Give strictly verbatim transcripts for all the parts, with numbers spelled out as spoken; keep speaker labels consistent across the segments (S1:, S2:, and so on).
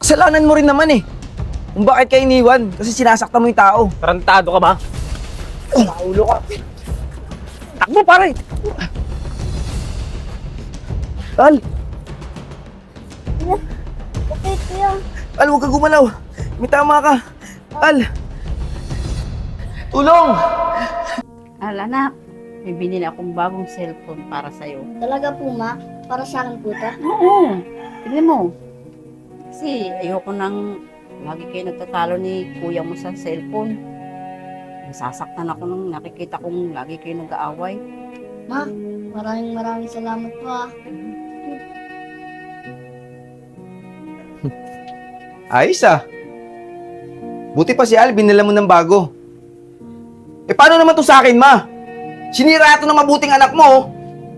S1: Kasalanan mo rin naman eh. Kung bakit ka iniwan, kasi sinasaktan mo yung tao.
S2: Tarantado ka ba? Naulo ka. Takbo, pare!
S1: Al!
S3: Bakit kuya?
S1: Al, huwag ka gumalaw. May tama ka. Al! Tulong!
S4: Al, anak, may binili akong bagong cellphone para sa'yo.
S3: Talaga po ma? Para sa akin po to?
S4: Oo, tignan mo. Kasi ayoko nang lagi kayo nagtatalo ni kuya mo sa cellphone. Nasasaktan ako nung nakikita kong lagi kayo nag-aaway.
S3: Ma, maraming maraming salamat po ah.
S1: Ayos ah. Buti pa si Al, binila mo ng bago. Eh paano naman to sa akin, ma? Sinira ito ng mabuting anak mo, oh.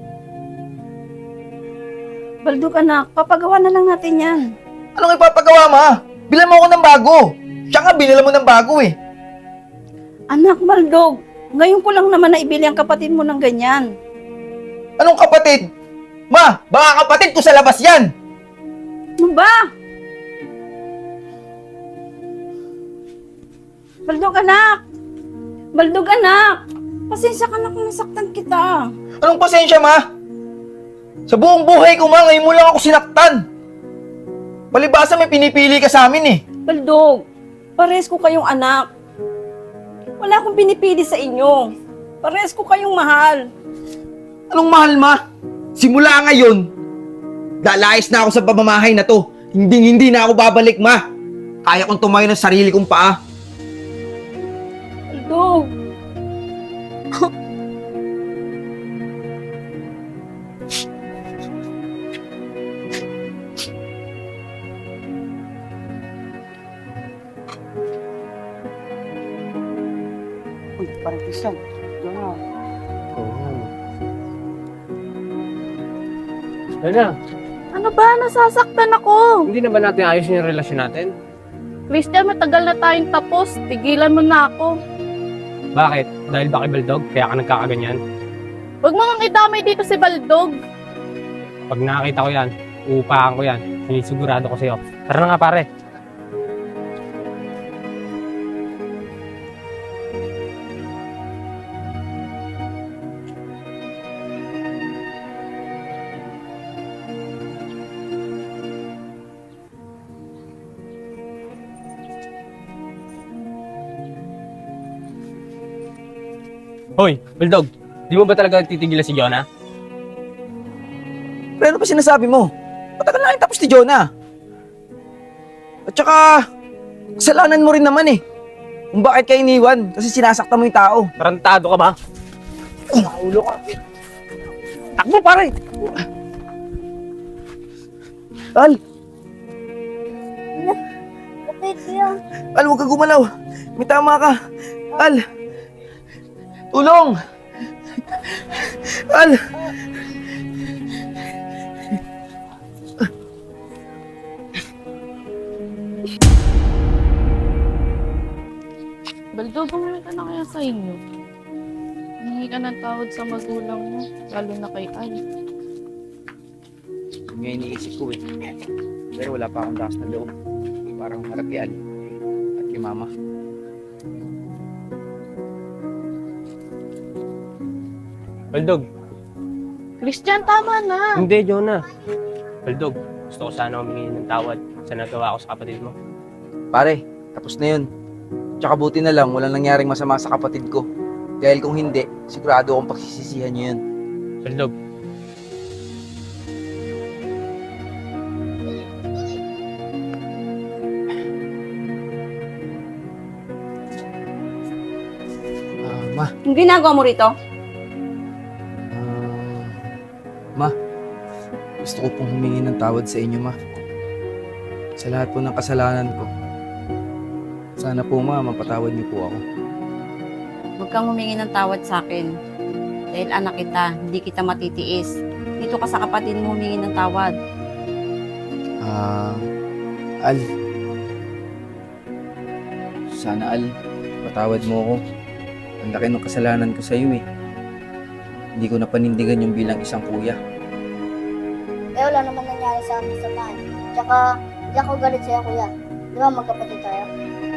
S4: Baldog anak, papagawa na lang natin yan.
S1: Anong ipapagawa, ma? Bilan mo ako ng bago. Siya nga, binila mo ng bago eh.
S4: Anak, Baldog, ngayon ko lang naman naibili ang kapatid mo ng ganyan.
S1: Anong kapatid? Ma, baka kapatid ko sa labas yan.
S4: Ano ba? Baldog anak! Baldog anak! Pasensya ka na kung nasaktan kita.
S1: Anong pasensya, ma? Sa buong buhay ko, ma, ngayon mo lang ako sinaktan. Palibasa may pinipili ka sa amin eh.
S4: Baldog, pares ko kayong anak. Wala akong pinipili sa inyo. Pares ko kayong mahal.
S1: Anong mahal, ma? Simula ngayon, lalayas na ako sa pamamahay na to. Hindi hindi na ako babalik, ma. Kaya kong tumayo ng sarili kong paa.
S4: Baldog. Uy, parang Christian. Diyan na.
S2: Oo. Ano na?
S5: Ano ba? Nasasaktan ako.
S2: Hindi na ba natin ayos yung relasyon natin?
S5: Christian, matagal na tayong tapos. Tigilan mo na ako.
S2: Bakit? Dahil ba kay Baldog? Kaya ka nagkakaganyan?
S5: Huwag mo nang idamay dito si Baldog.
S2: Pag nakakita ko yan, uupahan ko yan. Sinisigurado ko sa'yo. Tara na nga, pare. Hoy, Baldog, di mo ba talaga titigilan si Jonah?
S1: Pero ano pa sinasabi mo? Matagal na rin tapos ni Jonah. At saka, kasalanan mo rin naman eh. Kung bakit ka iniwan, kasi sinasaktan mo yung tao.
S2: Tarantado ka ba? Naulo ka. Takbo, pare!
S1: Al!
S3: Bakit kuya?
S1: Al, huwag ka gumalaw. May tama ka. Al! Tulong! Al!
S5: Baldog, bumili ka na kaya sa inyo. Hingi ka ng tawad sa magulang mo, lalo na kay Al.
S1: Yun nga iniisip ko eh. Pero wala pa akong lakas na loob. Parang harap kay Al at kay Mama.
S2: Baldog,
S5: Christian, tama na.
S2: hindi, Jonah. Baldog, gusto ko sana humingi ng tawad sa nagawa ko sa kapatid mo.
S1: Pare, tapos na yun. Tsaka buti na lang, walang nangyaring masama sa kapatid ko. Dahil kung hindi, sigurado akong pagsisisihan niyo yun.
S2: Baldog,
S1: Ah, Ma,
S4: Yung ginagawa mo rito?
S1: ah, Ma, gusto ko pong humingi ng tawad sa inyo, Ma. Sa lahat po ng kasalanan ko. Sana po, Ma, mapatawad niyo po ako.
S4: Huwag kang humingi ng tawad sa akin. Dahil anak kita, hindi kita matitiis. Dito ka sa kapatid mo humingi ng tawad.
S1: Ah, Al. Sana, Al, patawad mo ako. Ang laki ng kasalanan ko sa iyo eh. Hindi ko napanindigan yung bilang isang kuya.
S3: Eh wala naman nangyari sa amin sa man. Tsaka Hindi ako galit sa'yo, kuya. Di ba magkapatid tayo?